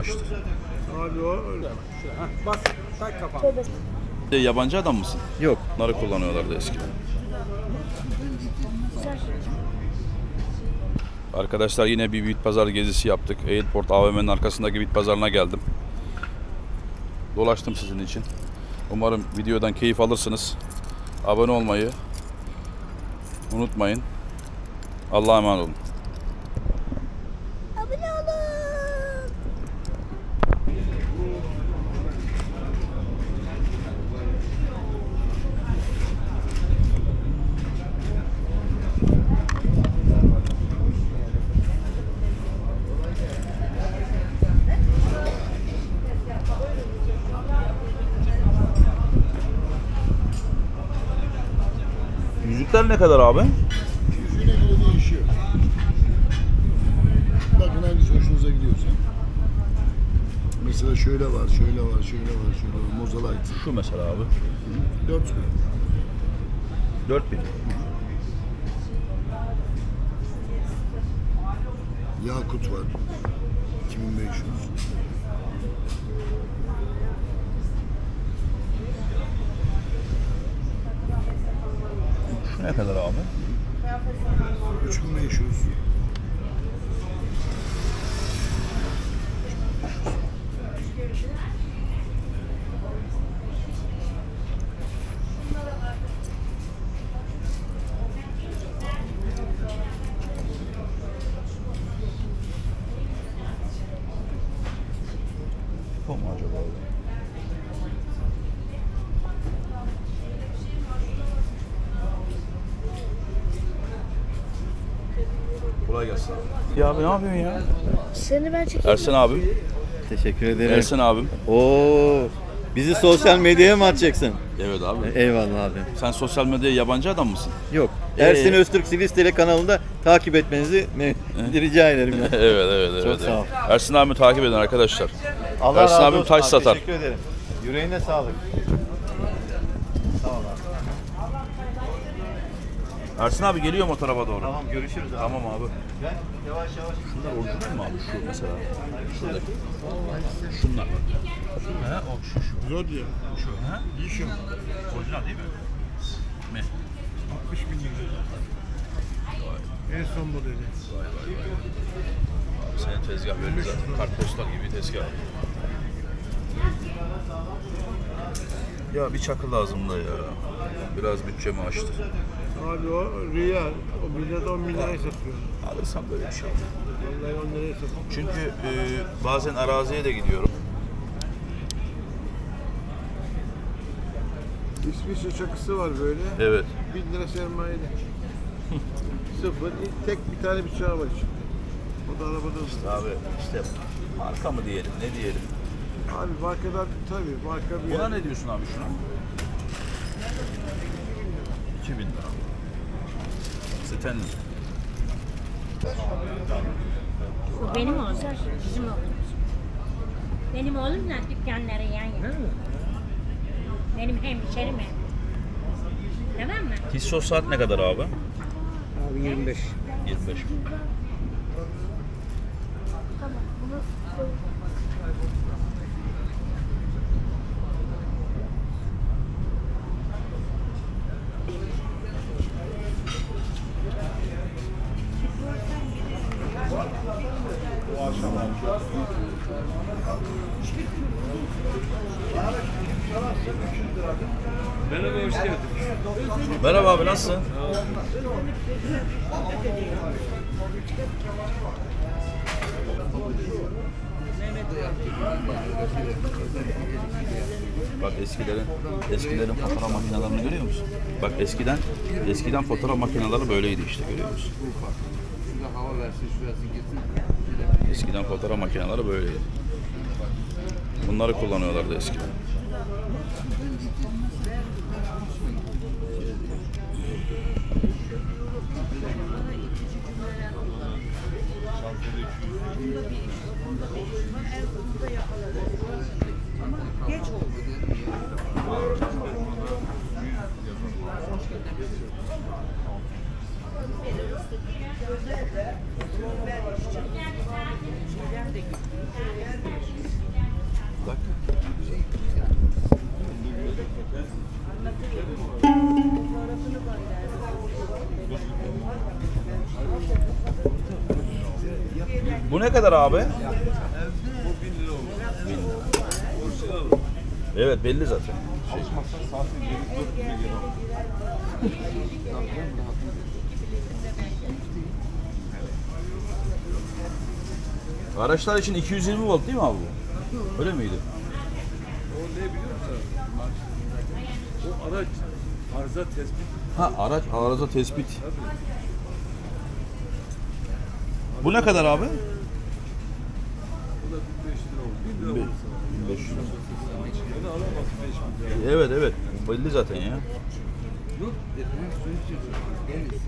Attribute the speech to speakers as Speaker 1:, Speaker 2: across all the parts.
Speaker 1: Abi o öyle.
Speaker 2: Bas, tak kafanı.
Speaker 3: Yabancı adam mısın?
Speaker 4: Yok.
Speaker 3: Bunları kullanıyorlardı eskiden. Arkadaşlar yine bir bit pazar gezisi yaptık. Airport AVM'nin arkasındaki bit pazarına geldim. Dolaştım sizin için. Umarım videodan keyif alırsınız. Abone olmayı unutmayın. Allah'a emanet olun.
Speaker 5: Abone olun.
Speaker 3: Yüzükler ne kadar abi?
Speaker 1: Yüzüne göre değişiyor. Bakın hangisi hoşunuza gidiyorsa. Mesela şöyle var, şöyle var, şöyle var, şöyle var. Mozalayt.
Speaker 3: Şu mesela abi.
Speaker 1: 4 bin.
Speaker 3: 4000.
Speaker 1: Yakut var. 2500.
Speaker 3: Şu ne kadar abi?
Speaker 1: 3500.
Speaker 3: Bu mu acaba? Kolay gelsin. Ya abi ne yapıyorsun ya?
Speaker 5: Seni ben çekeyim.
Speaker 3: Ersen abim.
Speaker 4: Teşekkür ederim.
Speaker 3: Ersen abim.
Speaker 4: Oo, bizi sosyal medyaya mı atacaksın?
Speaker 3: Evet abi.
Speaker 4: Eyvallah abi.
Speaker 3: Sen sosyal medyaya yabancı adam mısın?
Speaker 4: Yok. Ersin Öztürk Sivistele kanalında takip etmenizi rica ederim.
Speaker 3: evet evet.
Speaker 4: Çok sağ ol.
Speaker 3: Ersin abimi takip edin arkadaşlar.
Speaker 4: Allah
Speaker 3: Ersin
Speaker 4: razı
Speaker 3: abim
Speaker 4: olsun
Speaker 3: taş
Speaker 4: abi,
Speaker 3: satar.
Speaker 4: Teşekkür ederim. Yüreğine sağlık. Sağ ol abi.
Speaker 3: Ersin abi geliyor mu o tarafa doğru?
Speaker 4: Tamam, görüşürüz abi.
Speaker 3: Tamam abi.
Speaker 4: Gel, yavaş yavaş.
Speaker 3: Şunlar orijinal mi abi şu mesela? Şuradaki. Şunlar. Şu he o şu.
Speaker 1: Zor diyor.
Speaker 3: Şu he?
Speaker 1: Yişim.
Speaker 3: Orijinal değil mi? Mi?
Speaker 1: 60 bin lira. En son modeli.
Speaker 3: Senin tezgah belli zaten. Kartpostal gibi tezgah. Ya bir çakı lazım da ya. Biraz bütçemi aştı.
Speaker 1: Abi o rüya. O millet 10 bin liraya satıyor.
Speaker 3: Alırsam böyle bir şey.
Speaker 1: Vallahi 10 liraya satıyor.
Speaker 3: Çünkü bazen araziye de gidiyorum.
Speaker 1: İsviçre çakısı var böyle.
Speaker 3: Evet.
Speaker 1: 1000 lira sermayeli. Sıfır. Tek bir tane bıçağı var içinde. O da arabada.
Speaker 3: Abi işte marka mı diyelim ne diyelim.
Speaker 1: Abi markadan tabii marka bir
Speaker 3: Buna
Speaker 1: yer.
Speaker 3: ne diyorsun abi şuna? 2000 lira. Stanley.
Speaker 6: Bu benim oğlum, bizim oğlum. Benim oğlumla dükkanları yan yana. Benim hemşerim hem. Tamam mı?
Speaker 3: Tissot saat ne kadar abi?
Speaker 2: Abi 25.
Speaker 3: 25.
Speaker 2: Merhaba, hoş geldin.
Speaker 3: Merhaba abi nasılsın? Bak eskilerin fotoğraf makinelerini görüyor musun? Bak eskiden fotoğraf makineleri böyleydi işte görüyor musun? Eskiden fotoğraf makineleri böyleydi. Bunları kullanıyorlardı eskiden. ne kadar abi?
Speaker 1: Bu 1000 lira olmuş.
Speaker 3: Evet belli zaten. Araçlar için 220 volt değil mi abi bu? Öyle miydi?
Speaker 1: O ne biliyor musun? O araç arıza tespit.
Speaker 3: Ha araç arıza tespit. Bu ne kadar abi?
Speaker 1: Bu da 1500 lira oldu. 1000 lira oldu sana.
Speaker 3: 1500.
Speaker 1: Bunu alamaz 5000 lira.
Speaker 3: Evet evet belli zaten ya.
Speaker 1: Yok, su içiyorsun. Deniz.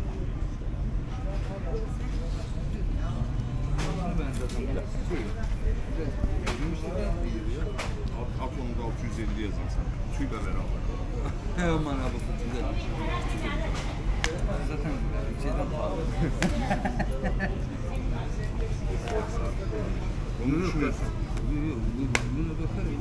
Speaker 5: Aklımda 650 yazayım sana. Tüyle beraber.
Speaker 2: Aman abi güzel. Zaten şeyden pahalı.
Speaker 5: Onu düşünüyorsun.
Speaker 2: Buna bakarım.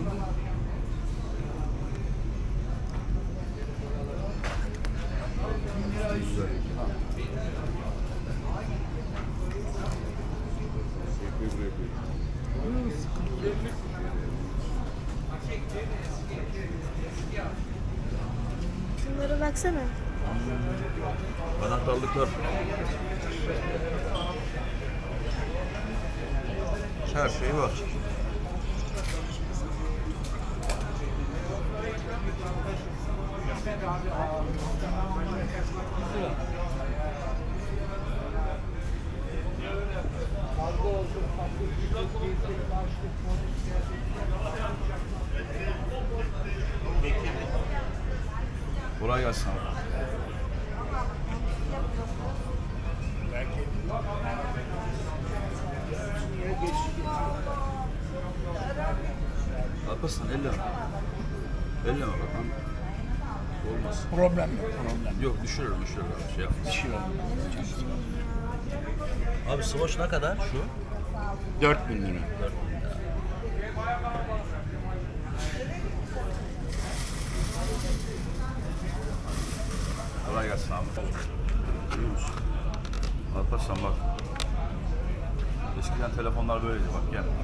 Speaker 7: Şunlara baksana.
Speaker 3: Anahtarlıklar. Her şey var. Kolay gelsin abi. Alparslan elleme. Elleme bak lan. Olmaz.
Speaker 2: Problem yok. Problem.
Speaker 3: Yok düşürür abi şey yapma. Abi Swatch ne kadar şu?
Speaker 2: 4000 lira.
Speaker 3: 4.000 lira. Kolay gelsin abi. Görüyor musun? Alparslan bak. Eskiden telefonlar böyleydi bak gel.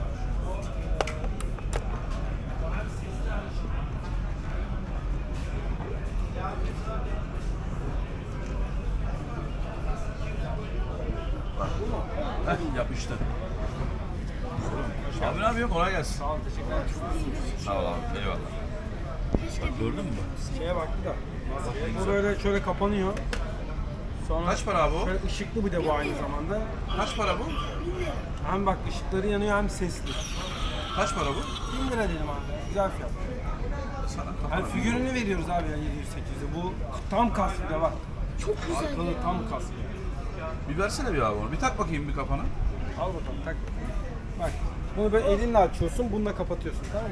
Speaker 3: Bak. Heh, yapıştı. Abi ne yapıyorsun? Kolay gelsin.
Speaker 2: Sağ ol, teşekkürler.
Speaker 3: Sağ ol abi. Eyvallah. Bak gördün mü bak?
Speaker 2: Şeye baktı da. Bu böyle şöyle kapanıyor. Sonra
Speaker 3: Kaç para abi o?
Speaker 2: şöyle ışıklı bir de bu aynı zamanda.
Speaker 3: Kaç para bu?
Speaker 2: Hem bak ışıkları yanıyor hem sesli.
Speaker 3: Kaç para bu?
Speaker 2: 1000 lira dedim abi. Güzel fiyat.
Speaker 3: Sana
Speaker 2: Yani figürünü veriyoruz abi ya 700-800'e. Bu tam kask bir de bak.
Speaker 7: Çok güzel
Speaker 2: Arkalı
Speaker 7: ya.
Speaker 2: tam kask.
Speaker 3: bir versene bir abi onu. Bir tak bakayım bir kafana.
Speaker 2: Al bakalım tak. Bak bunu böyle elinle açıyorsun, bununla kapatıyorsun tamam mı?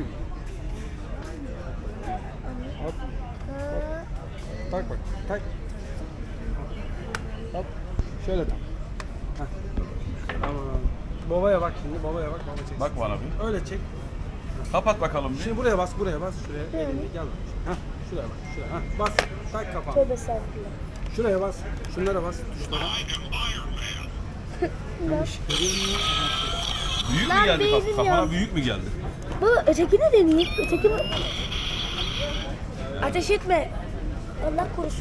Speaker 2: Hop. Tak bak, tak. Hop. Şöyle tak. Heh. Tamam. Babaya bak şimdi, babaya bak, baba çeksin.
Speaker 3: Bak bana bir.
Speaker 2: Öyle çek.
Speaker 3: Kapat bakalım bir.
Speaker 2: Şimdi buraya bas, şuraya. Elini gel. Heh. Şuraya bak, şuraya. Heh. Bas, tak kapağını.
Speaker 7: Tövbe estağfurullah.
Speaker 2: Şuraya bas, şunlara bas, tuşlara.
Speaker 3: Büyük mü
Speaker 7: Lan
Speaker 3: geldi?
Speaker 7: beynim
Speaker 3: Kafana
Speaker 7: yandı.
Speaker 3: büyük mü geldi?
Speaker 7: Bu ötekini deneyeyim. Öteki mi? Ateş etme. Allah korusun.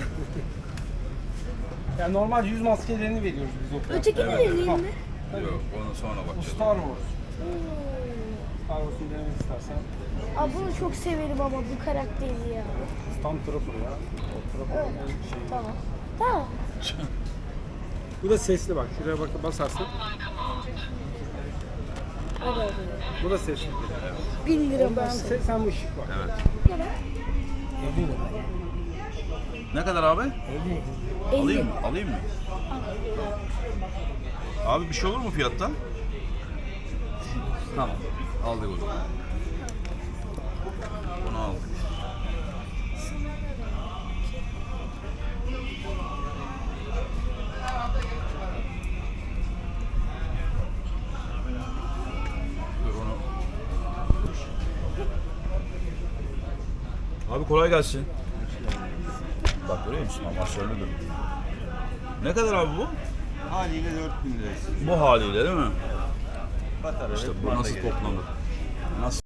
Speaker 2: Yani normal yüz maskelerini veriyoruz biz o.
Speaker 7: Ötekini deneyeyim mi?
Speaker 3: Yok onu sonra
Speaker 2: Bu
Speaker 3: bakacağız.
Speaker 2: Star Wars. Star Wars'un denemek istersen.
Speaker 7: Aa, bunu çok severim ama bu karakteri ya.
Speaker 2: Stormtrooper ya. O Trooper'ın
Speaker 7: Evet.
Speaker 2: en şeyi.
Speaker 7: Tamam. Tamam.
Speaker 2: Bu da sesli bak. Şuraya bak basarsın.
Speaker 7: Hadi hadi.
Speaker 2: Bu da sesli.
Speaker 7: 1000 lira
Speaker 2: Ben
Speaker 7: basın.
Speaker 2: sen bu ışık bak.
Speaker 3: Evet.
Speaker 7: Ne kadar?
Speaker 2: 50 lira.
Speaker 3: Ne kadar abi?
Speaker 7: 50.
Speaker 3: Alayım mı? Alayım mı? Abi bir şey olur mu fiyattan? Tamam. Aldık o zaman. Bunu aldık. Dur onu. Abi kolay gelsin. Bak görüyor musun? Amasörlüdür. Ne kadar abi bu?
Speaker 5: Haliyle 4000 lirası.
Speaker 3: Bu haliyle değil mi? İşte bu nasıl toplanır? Nasıl